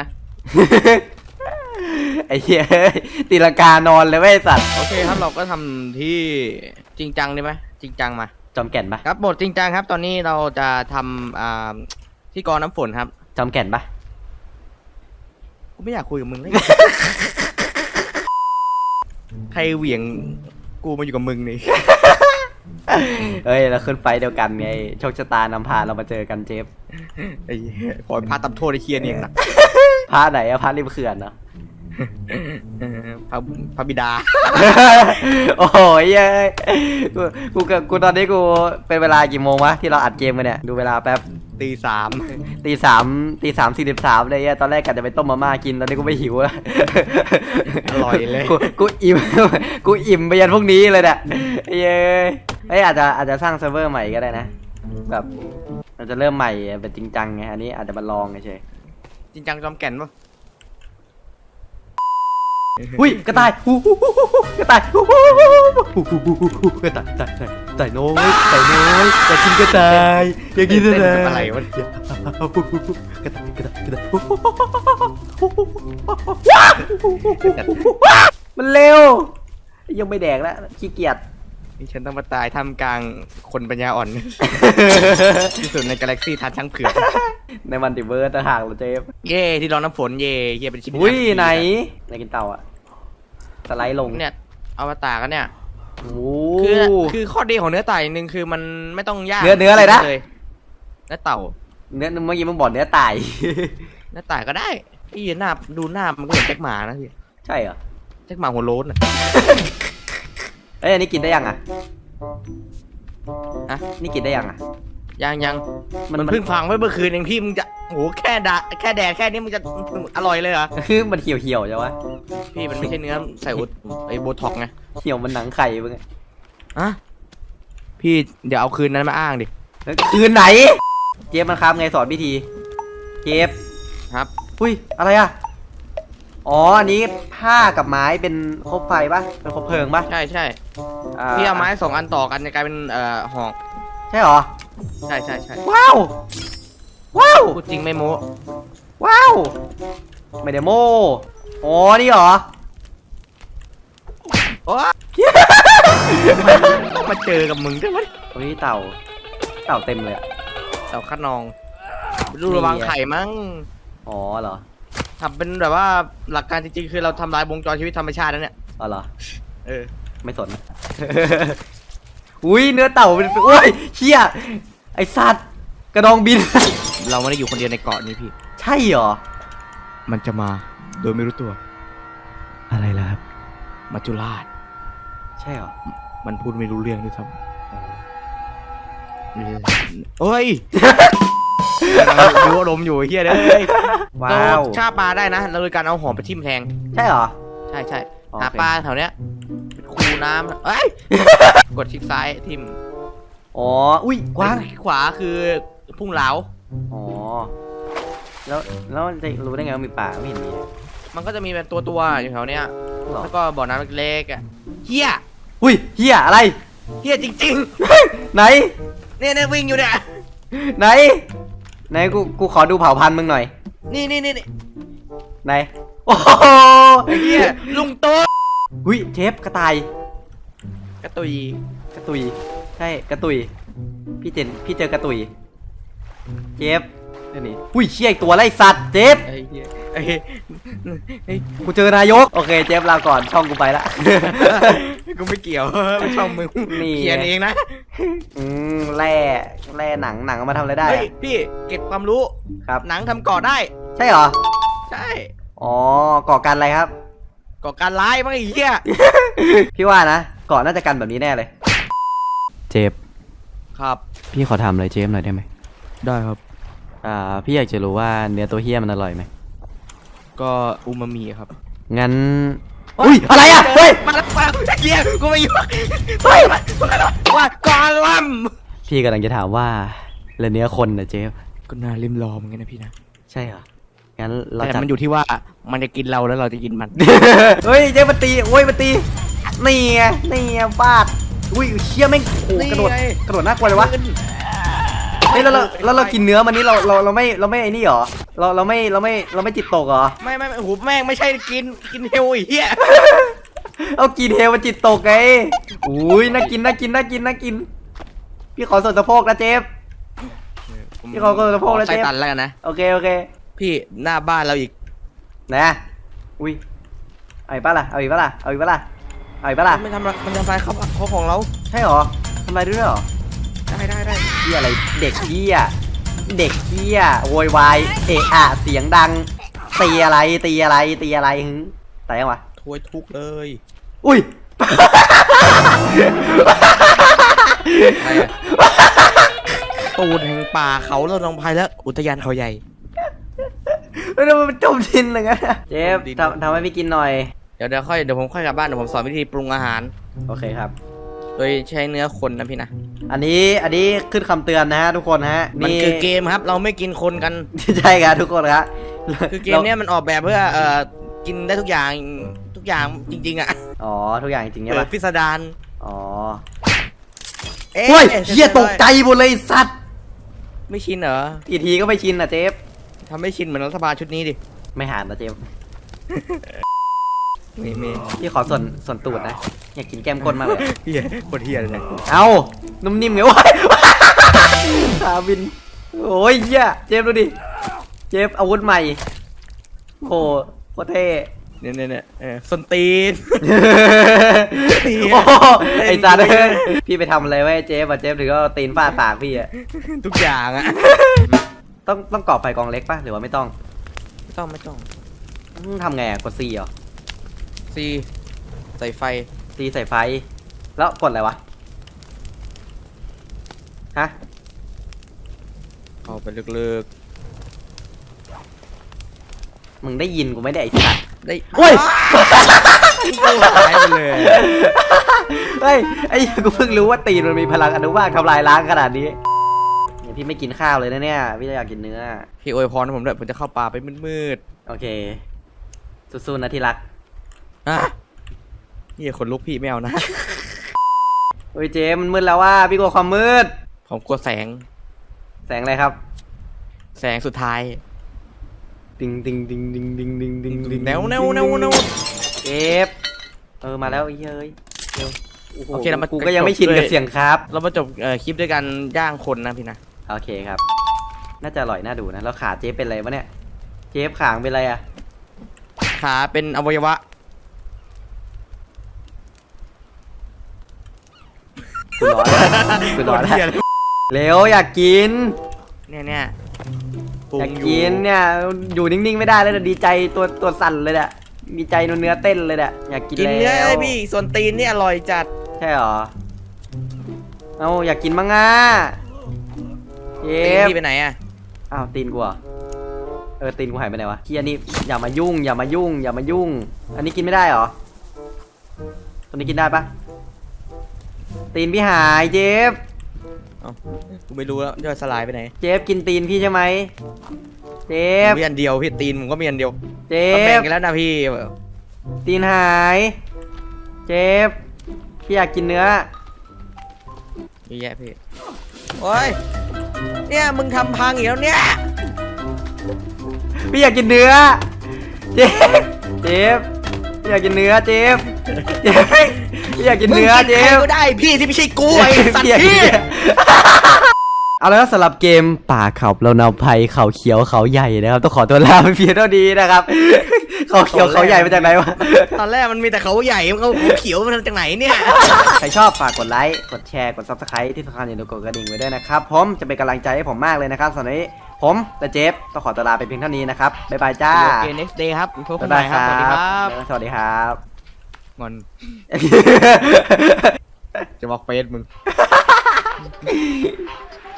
Speaker 1: ไอ้เหี้ยตีลังกานอนเลยเว้ยไอ้สัตว์
Speaker 2: โอเคครับเราก็ทำที่จริงจังได้ไหมจริงจังมา
Speaker 1: จอมแก่นปะ
Speaker 2: ครับบทจริงจังครับ ตอนนี้เราจะทำอ่าที่กรองน้ำฝนครับ
Speaker 1: จอมแก่นปะ
Speaker 2: กูไม่อยากคุยกับมึงเลย ใครเหวี่ยงกูมาอยู่กับมึงนี่
Speaker 1: เฮ้ยเราขึ้นไฟเดียวกันไงโชคชะตานำพาเรามาเจอกันเจฟ
Speaker 2: ไอ้เหี้ยขอพาตับโทษไอ้เคียนี่เองนะ
Speaker 1: พระไหนอะพระริมเขื่อนเนาะ
Speaker 2: พระพระบิดา
Speaker 1: โอ้ยเย้ยกูกูกูกูตอนนี้กูเป็นเวลากี่โมงวะที่เราอัดเกมกันเนี่ยดูเวลาแป๊บ
Speaker 2: ตีสาม
Speaker 1: ตีสามตีสามสี่สิบสามเลยอะตอนแรกกะจะไปต้มมาม่ากินตอนนี้กูไม่หิวแล้ว
Speaker 2: อร่อยเลย
Speaker 1: กูกูอิ่ม กูอิ่มไปยันพวกนี้เลยเนี่ยเย้ยเอ้ยอาจจะอาจจะสร้างเซิร์ฟเวอร์ใหม่ก็ได้นะแบบเราจะเริ่มใหม่เป็นจริงจังไงอันนี้อาจจะมาลองเฉย
Speaker 2: จริงจังจอมแก่นปะ
Speaker 1: อุ้ยกระต่ายหูหูหูหูกระต่ายหูหูหูหูหูหูหูกระต่ายกระต่ายกระต่ายน้อยกระต่ายน้อยอยากกินกระต่ายอยากกินกระต่าย
Speaker 2: อะไรวะ
Speaker 1: กระต่ายกระต่ายกระต่ายมันเร็วยังไม่แดกแล้วขี้เกียจ
Speaker 2: นี่ฉันต้องมาตายท่ามกลางคนปัญญาอ่อน ที่สุดในกาแล็กซี่ทันช่างเผือก
Speaker 1: ในมันติเวิร์สต่างหากเราเจฟ
Speaker 2: เย่ที่รองน้ำฝนเย่เย่เป็นชิป
Speaker 1: อุ้ยไหนไหนกินเต่าอะสไลด์ลง
Speaker 2: เนี่ยอวตารกันเนี่ย
Speaker 1: โอ้
Speaker 2: คือคือข้อดีของเนื้อไต่หนึ่งคือมันไม่ต้องย่าง
Speaker 1: เนื้อเนื้ออะไรนะ
Speaker 2: เลยเนื้อเต่า
Speaker 1: เนื้อเมื่อกี้มึงบอกเนื้อตาย
Speaker 2: เนื้อไต่ก็ได้พี่หน้าดูหน้ามันก็เหมือนแจ็คหมานะพี่
Speaker 1: ใช่เหรอ
Speaker 2: แจ็คหมาหัวโล้นอะ
Speaker 1: เอ้ยอันนี้กินได้ยังอ่ะ
Speaker 2: อะ
Speaker 1: นี่กินได้ยังอ่ะ
Speaker 2: ยังยัง
Speaker 1: มั
Speaker 2: มัน นเพิ่งฟังไว้เมื่อคืนเองพี่มึงจะโอ้โหแค่ดาแค่แดดแค่นี้มึงจะอร่อยเลยเหรอ
Speaker 1: คือมันเหี่ยวเหี่ยวๆใช่ปะ
Speaker 2: พี่มันไม่ใช่เนื้อใส่อุดไอโบท็อกไง
Speaker 1: เหี่ยวมันหนังไข่มึงอะ
Speaker 2: อะพี่เดี๋ยวเอาคืนนั้นมาอ้างดิ
Speaker 1: เฮ้ยคืนไหน เจฟมันครับไงสอนพิธี เจฟ
Speaker 2: ครับ
Speaker 1: อุ้ยอะไรอ่ะ อ๋ออันนี้ผ้ากับไม้เป็นคบไฟปะเป็นคบเพลิงปะ
Speaker 2: ใช่ใช่
Speaker 1: อ่า
Speaker 2: พี่เอาไม้สองอันต่อกันจะกลายเป็นเอ่อหอก
Speaker 1: ใช่เหรอ
Speaker 2: ใช่ใช่ใช่
Speaker 1: ว้าว ว้าว
Speaker 2: พูดจริงไม่โม้
Speaker 1: ว้าว ไม่ได้โม่อ๋อนี่เหรอ
Speaker 2: โอ้ต้องมาเจอกับมึงด้วยวะ
Speaker 1: โอ้ยเต่า เต่าเต็มเลยอะ
Speaker 2: เต่าคัดนองดูระวังไข่มั้ง
Speaker 1: อ๋อเหรอ
Speaker 2: ทำเป็นแบบว่าหลักการจริงๆคือเราทำลายวงจรชีวิตธรรมชาติแล้วเนี่ย
Speaker 1: อ๋อเหรอ
Speaker 2: เออ
Speaker 1: ไม่สน อุ้ยเนื้อเต่าเป็นโอ้ยเชี่ยไอสัตว์กระดองบิน
Speaker 2: เราไม่ได้อยู่คนเดียวในเกาะนี้พี่
Speaker 1: ใช่เหรอ
Speaker 2: มันจะมาโดยไม่รู้ตัว
Speaker 3: อะไรล่ะครับ
Speaker 2: มัจจุราช
Speaker 1: ใช่เหรอ
Speaker 2: มันพูดไม่รู้เรื่องด้วยซ้ำเฮ้ย ดูอารมณ์อยู่ไอ้เฮียเลย
Speaker 1: ว้าว
Speaker 2: เราฆ่าปลาได้นะเราโดยการเอาหอมไปทิ่มแทง
Speaker 1: ใช่เหรอ
Speaker 2: ใช่ใช่
Speaker 1: โอเค
Speaker 2: หาปลาแถวเนี้ยเป็นคูน้ำเอ้ย กดคลิกซ้ายทิ่ม
Speaker 1: อ๋อ อุ้ยกว้าง
Speaker 2: คลิกขวาคือพุ่งเหลา
Speaker 1: อ๋อ แล้ว แล้วมันจะรู้ได้ไงว่ามีป่าไม่เห็นมีเลย
Speaker 2: มันก็จะมีเป็นตัวตัวๆอยู่แถวเนี้ย
Speaker 1: หรอ
Speaker 2: แล้วก็บ่อน้ำเล็กๆอ่ะเฮีย
Speaker 1: อุ้ยเฮียอะไร
Speaker 2: เฮียจริง
Speaker 1: ไหน
Speaker 2: ๆ เนี่ยเนี่ยวิ่งอยู่เนี่ย
Speaker 1: ไหน ไหนกู กูขอดูเผ่าพันธุ์มึงหน่อย
Speaker 2: นี่นี่นี่นี่
Speaker 1: ไหน โอ้โห
Speaker 2: ไอ้เฮียลุงโต
Speaker 1: อุ้ยเทปกระต่าย
Speaker 2: กระตุย
Speaker 1: กระตุย ใช่ กระตุย พี่เจน พี่เจอกระตุย เจฟนี่นี่อุ้ยเชี่ยอีกตัวไล่สัตว์ เจฟ
Speaker 2: ไอ้เฮียไอ้เฮียไอ้
Speaker 1: กูเจอนายก โอเค เจฟลาก่อน ช่องกูไปละ
Speaker 2: กูไม่เกี่ยว ไม่ชอบมึง
Speaker 1: นี่
Speaker 2: เขียนเองนะ
Speaker 1: อืมแร่แร่หนัง หนังเอามาทำอะไรได้
Speaker 2: เฮ้ย
Speaker 1: อะ
Speaker 2: พี่เก็บความรู้
Speaker 1: ครับ
Speaker 2: หนังทำเกาะได้
Speaker 1: ใช่เหรอ
Speaker 2: ใช่
Speaker 1: อ๋อ ก่อการอะไรครับ
Speaker 2: เกาะการร้ายมั้งไอ้เหี้ย
Speaker 1: พี่ว่านะก่อนน่าจะกันแบบนี้แน่เลย
Speaker 3: เจฟ
Speaker 2: ครับ
Speaker 3: พี่ขอถามอะไรเจฟหน่อยได้ไหม
Speaker 2: ได้ครับ
Speaker 3: อ่า พี่อยากจะรู้ว่าเนื้อตัวเฮี้ยมันอร่อยไหม
Speaker 2: ก็อูมามิครับ
Speaker 3: งั้น
Speaker 1: อุ้ย อะไรอ่ะ เฮ้ย
Speaker 2: มาแล้วมาแล้วไอ้เหี้ยกูไม่อยู่เฮ้ยมาว่ากอลัม
Speaker 3: พี่กำลังจะถามว่าแล้วเนื้อคนนะเจฟ
Speaker 2: ก็น่าริมรอเหมือนกันนะพี่นะ
Speaker 3: ใช่เหรอ งั้นเรา
Speaker 2: แต่
Speaker 3: จัด
Speaker 2: มันอยู่ที่ว่ามันจะกินเราแล้วเราจะกินมัน
Speaker 1: เฮ้ยเจ๊มาตีโอ้ยมาตี นี่ไง นี่ไงฟาด อุ้ยเชี่ยแม่งโอ้โหกระโดด
Speaker 2: นี่ไง
Speaker 1: กระโดดน่ากลัวเลยวะ เฮ้ยแล้วเราแล้วเรากินเนื้อมันนี่เราเราเราไม่เราไม่ไอ้นี่หรอ เราเราไม่เราไม่เราไม่จิตตกเหรอ
Speaker 2: ไม่ไม่ไม่โอ้โหแม่งไม่ใช่กินกินเฮลไอ้เหี้ย
Speaker 1: เอากินเฮลมันจิตตกไงอุ้ยน่ากินน่ากินน่ากินน่ากิน พี่ขอส่วนสะโพกนะเจฟ พี่ขอคนละพวกแล้วเจ๊
Speaker 2: ไส้ตันแล้วกันนะ
Speaker 1: โอเคโอเค
Speaker 2: พี่หน้าบ้านเราอีก
Speaker 1: นะอุ้ยเอาอีกปะล่ะเอาอีกปะล่ะเอาอีกปะล่ะเอาอีกปะล่ะ
Speaker 2: มันทำอะไรมันทำลายเขาเขาของเรา
Speaker 1: ใช่เหรอทำอะไรด้วยเหรอ
Speaker 2: ได้ได้ได้
Speaker 1: เฮียอะไรเด็กเฮียเด็กเฮียโวยวายเอะอะเสียงดังตีอะไรตีอะไรตีอะไรหึแต่ยังวะ
Speaker 2: ถ้วยทุกเลย
Speaker 1: อุ้ย
Speaker 2: อะไรอะตูดแห่งป่าเขาเราลงพายแล้วอุทยานเขาใหญ่
Speaker 1: เฮ้ยมันจมดินเลยงั้นอะเจฟ
Speaker 2: จมดิน
Speaker 1: ทำทำให้พี่กินหน่อย
Speaker 2: เดี๋ยวเดี๋ยวค่อยเดี๋ยวผมค่อยกลับบ้านเดี๋ยวผมสอนวิธีปรุงอาหาร
Speaker 1: โอเคครับ
Speaker 2: โดยใช้เนื้อคนนะพี่นะ
Speaker 1: อันนี้อันนี้ขึ้นคำเตือนนะฮะทุกคนฮะ
Speaker 2: มันคือเกมครับ เราไม่กินคนกัน
Speaker 1: ใช่ครับทุกคนครับ
Speaker 2: คือเกมเนี้ยมันออกแบบเพื่อเอ่อกินได้ทุกอย่างทุกอย่างจริงๆอ่ะ
Speaker 1: อ๋อทุกอย่างจริงๆ
Speaker 2: เอ
Speaker 1: ใช่
Speaker 2: อ
Speaker 1: ปะ
Speaker 2: พิสดาร
Speaker 1: อ๋อ
Speaker 2: เอ๊ะ
Speaker 1: เฮ้ยเฮียตกใจหมดเลยสัตว์
Speaker 2: ไม่ชินเหรอ
Speaker 1: กี่ทีก็ไม่ชินอ่ะเจฟ
Speaker 2: ทำไม่ชินเหมือนรัฐบาลชุดนี้ดิ
Speaker 1: ไม่หานนะเจฟ
Speaker 2: มีมี
Speaker 1: พี่ขอส่วนส่วนตูดนะ อยากกินแก้มก้นมากเลย
Speaker 2: เฮียโคตรเฮียเลย
Speaker 1: เอานุ่มนิ่มไงวะ ขาบิน โอ้ยเฮียเจฟดูดิ เจฟอาวุธใหม่ โอ้โหโคตรเท่
Speaker 2: เนี่ยเนี่ยเนี่ยเออส้นตีน
Speaker 1: โอ้โหไอ้สัตว์เอ้ยพี่ไปทำอะไรไว้เจฟอ่ะเจฟถึงก็เอาตีนฟาดปากพี่อ่ะ
Speaker 2: ทุกอย่างอ่ะ
Speaker 1: ต้องต้องก่อไฟกองเล็กป่ะหรือว่าไม่ต้อง
Speaker 2: ไม่ต้องไม่ต้อง
Speaker 1: อืมทำไงอ่ะกดซีเหรอ
Speaker 2: ซีใส่ไฟ
Speaker 1: ตีใส่ไฟ แล้วกดอะไรวะ ฮะ
Speaker 2: เข้าไปลึก
Speaker 1: มึงได้ยินกูไม่ได้ไอ้สัตว์
Speaker 2: ๆได้
Speaker 1: เฮ้ย
Speaker 2: กูหายไปเลย
Speaker 1: เฮ้ย ไอ้เหี้ยกูเพิ่งรู้ว่าตีนมันมีพลังอนุภาคทำลายล้างขนาดนี้เนี่ยพี่ไม่กินข้าวเลยนะเนี่ย พี่อยากกินเนื้อ
Speaker 2: พี่อวยพรให้ผมด้วยผมจะเข้าป่าไปมืด
Speaker 1: โอเค สู้ๆนะที่รัก
Speaker 2: ๆอ่ะนี่คนลุกพี่ไม่เอานะ
Speaker 1: โอ้ยเจมมันมืดแล้วว่า พี่กลัวความมืด
Speaker 2: ผมกลัวแสง
Speaker 1: แสงอะไรครับ
Speaker 2: แสงสุดท้าย
Speaker 1: ติงติงติงติงติงติงติงติง
Speaker 2: แนวแนวแนวแนว
Speaker 1: เจฟเออมาแล้วไอ้เฮ้ยเร็วโอ้โห
Speaker 2: โอเคเรามา
Speaker 1: กูก็ยังไม่ชิน
Speaker 2: จบด้วย
Speaker 1: กับเสียงครับ
Speaker 2: เรามาจบเอ่อคลิปด้วยกันย่างคนนะพี่นะ
Speaker 1: โอเคครับ น่าจะอร่อยน่าดูนะ แล้วขาเจฟเป็นอะไรวะเนี่ย เจฟขางเป็นอะไรอะ
Speaker 2: ขาเป็นอวัยวะ
Speaker 1: คุณร้อนคุณร้อนแล้วเร็วอยากกิน
Speaker 2: เนี่ยเนี่ยปรุ
Speaker 1: อง ยาก
Speaker 2: อยู่
Speaker 1: กินเนี่ย อยู่นิ่งๆไม่ได้เลยนะดีใจตัวตัวสั่นเลยเนี่ยมีใจเนื้อเต้นเลยเนี่ยอยากกิน
Speaker 2: กิน
Speaker 1: แล้ว
Speaker 2: เนื้อเลยพี่ส่วนตีนเนี่ยอร่อยจัด
Speaker 1: ใช่หรอ เอาอยากกินมั้งอ่ะเจ
Speaker 2: ตีน
Speaker 1: ฟ
Speaker 2: พี่ไปไหนอะ
Speaker 1: อ้าวตีนกูเหรอเออตีนกูหายไปไหนวะเฮียนี่อย่ามายุ่ง อย่ามายุ่ง อย่ามายุ่ง อันนี้กินไม่ได้เหรอตัวนี้กินได้ปะตีนพี่หายเจฟ
Speaker 2: เอ้ากูไม่รู้แล้วย่อยสลายไปไหน
Speaker 1: เจฟกินตีนพี่ใช่ไหมเจ
Speaker 2: ผม
Speaker 1: ฟ
Speaker 2: มีอันเดียวพี่ตีนผมก็มีอันเดียว
Speaker 1: เจ
Speaker 2: ก็แบ่ง
Speaker 1: ฟ
Speaker 2: กันแล้วนะพี่
Speaker 1: ตีนหายเจฟพี่อยากกินเนื้อ
Speaker 2: เยอะแยะพี่โอ้ยเนี่ยมึงทำพังอีกแล้วเนี่ย
Speaker 1: พี่อยากกินเนื้อเจฟเจฟพี่อยากกินเนื้อเจฟเจฟพี่อยากกินเนื้อเจ
Speaker 2: มึงกินใคร
Speaker 1: ฟ
Speaker 2: ก็ได้พี่ที่ไม่ใช่กูไอ้สัตว์
Speaker 1: อยากกิน
Speaker 2: พี่
Speaker 1: เนื้อเอาแล้วสำหรับเกมป่าเขาเรานำภัยเขาเขียวเขาใหญ่นะครับต้องขอตัวลาไปเพียงเท่านี้นะครับ เขาเขียวเขาใหญ่มาจากไหนวะ
Speaker 2: ตอนแรกมันมีแต่เขาใหญ่มันเขาเขียวมันจากไหนเนี่ย
Speaker 1: ใครชอบฝากกดไลค์ กดแชร์ กด ซับสไครต์ ที่สำคัญอย่าลืมกดกระดิ่งไว้ด้วยนะครับ ผมจะเป็นกำลังใจให้ผมมากเลยนะครับสำหรับวันนี้ผมและเจฟต้องขอตัวลาไปเพียงเท่านี้นะครับ บ๊ายบายจ้า
Speaker 2: โอเค next day ครับพบกัน
Speaker 1: บ๊าย
Speaker 2: ให
Speaker 1: บา
Speaker 2: ม่
Speaker 1: ย
Speaker 2: ค
Speaker 1: ค
Speaker 2: รั
Speaker 1: รั
Speaker 2: บบ สวัสดีครับ
Speaker 1: สวัสดีครับ
Speaker 2: งอน จะบอกเฟซมึง